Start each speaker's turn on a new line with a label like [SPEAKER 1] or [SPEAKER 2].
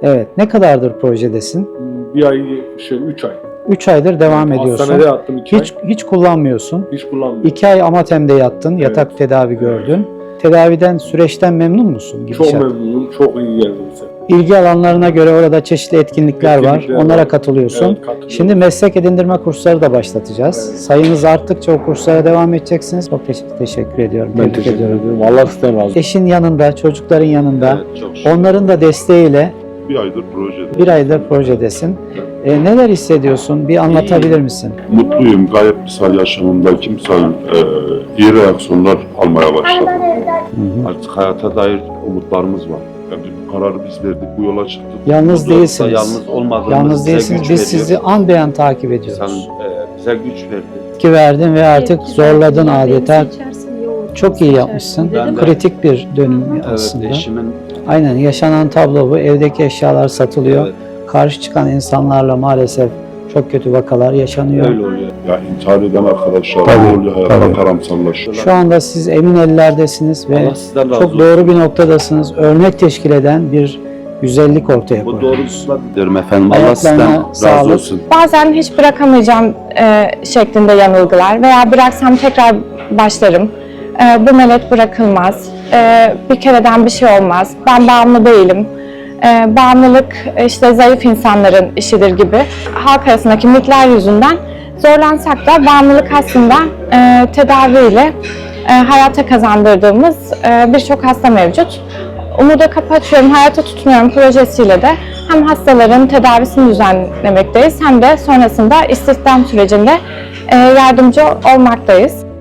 [SPEAKER 1] Evet. Ne kadardır projedesin?
[SPEAKER 2] Bir ay, 3 ay.
[SPEAKER 1] 3 aydır devam ediyorsun.
[SPEAKER 2] Hastanede yattım 2 ay.
[SPEAKER 1] Hiç kullanmıyorsun.
[SPEAKER 2] Hiç kullanmıyorum.
[SPEAKER 1] 2 ay Amatem'de yattın.
[SPEAKER 2] Evet.
[SPEAKER 1] Yatak tedavi gördün. Tedaviden, süreçten memnun musun?
[SPEAKER 2] Çok
[SPEAKER 1] Gidişat?
[SPEAKER 2] memnunum. Çok iyi geldi bize.
[SPEAKER 1] İlgi alanlarına göre orada çeşitli etkinlikler var. Onlara
[SPEAKER 2] var.
[SPEAKER 1] katılıyorsun.
[SPEAKER 2] Evet, katılıyorum.
[SPEAKER 1] Şimdi meslek edindirme kursları da başlatacağız.
[SPEAKER 2] Evet.
[SPEAKER 1] Sayınız arttıkça o kurslara devam edeceksiniz. Çok teşekkür ediyorum.
[SPEAKER 2] Ben
[SPEAKER 1] Tebrik
[SPEAKER 2] teşekkür
[SPEAKER 1] ediyorum.
[SPEAKER 2] ederim. Allah sizden razı olsun.
[SPEAKER 1] Eşin yanında, çocukların yanında,
[SPEAKER 3] Evet, çok şükür.
[SPEAKER 1] onların da desteğiyle
[SPEAKER 3] Bir aydır projede.
[SPEAKER 1] bir aydır projedesin. Neler hissediyorsun? Bir anlatabilir misin?
[SPEAKER 3] Mutluyum. Gayet misal yaşamımda misal iyi reaksiyonlar almaya başladım. Artık hayata dair umutlarımız var. Yani bu kararı biz verdik, bu yola çıktık.
[SPEAKER 1] Yalnız
[SPEAKER 3] Bu yolda
[SPEAKER 1] değilsiniz.
[SPEAKER 3] Yalnız olmadığımız
[SPEAKER 1] Yalnız
[SPEAKER 3] bize
[SPEAKER 1] değilsiniz.
[SPEAKER 3] güç
[SPEAKER 1] Biz
[SPEAKER 3] veriyor.
[SPEAKER 1] sizi an beyan takip ediyoruz.
[SPEAKER 3] Bize güç verdi.
[SPEAKER 1] Ki verdin ve artık zorladın adeta. Çok iyi
[SPEAKER 4] Seçersin.
[SPEAKER 1] yapmışsın.
[SPEAKER 3] Ben de-
[SPEAKER 1] Kritik bir dönüm
[SPEAKER 3] Evet,
[SPEAKER 1] aslında.
[SPEAKER 3] eşimin
[SPEAKER 1] Aynen, yaşanan tablo bu. Evdeki eşyalar satılıyor.
[SPEAKER 3] evet,
[SPEAKER 1] Karşı çıkan insanlarla maalesef çok kötü vakalar yaşanıyor.
[SPEAKER 3] öyle oluyor. Ya intihar eden arkadaşlar
[SPEAKER 1] Tabii,
[SPEAKER 3] oluyor, hayata
[SPEAKER 1] tabii.
[SPEAKER 3] karamsarlaşıyor.
[SPEAKER 1] Şu anda siz emin ellerdesiniz ve
[SPEAKER 3] Allah sizden razı
[SPEAKER 1] çok
[SPEAKER 3] olsun.
[SPEAKER 1] doğru bir noktadasınız. Örnek teşkil eden bir güzellik ortaya
[SPEAKER 3] Bu
[SPEAKER 1] koyuyorsunuz.
[SPEAKER 3] doğrultusunda diyorum efendim. Allah
[SPEAKER 1] Ayaklarına
[SPEAKER 3] sizden razı
[SPEAKER 1] sağlık.
[SPEAKER 3] olsun.
[SPEAKER 4] Bazen hiç bırakamayacağım şeklinde yanılgılar veya bıraksam tekrar başlarım. Bu melet bırakılmaz. Bir kereden bir şey olmaz. Ben bağımlı değilim. Bağımlılık işte zayıf insanların işidir gibi. Halk arasındaki mitler yüzünden zorlansak da bağımlılık aslında tedaviyle hayata kazandırdığımız birçok hasta mevcut. Umuda Kapı Açıyorum, Hayata Tutunuyorum projesiyle de hem hastaların tedavisini düzenlemekteyiz hem de sonrasında istihdam sürecinde yardımcı olmaktayız.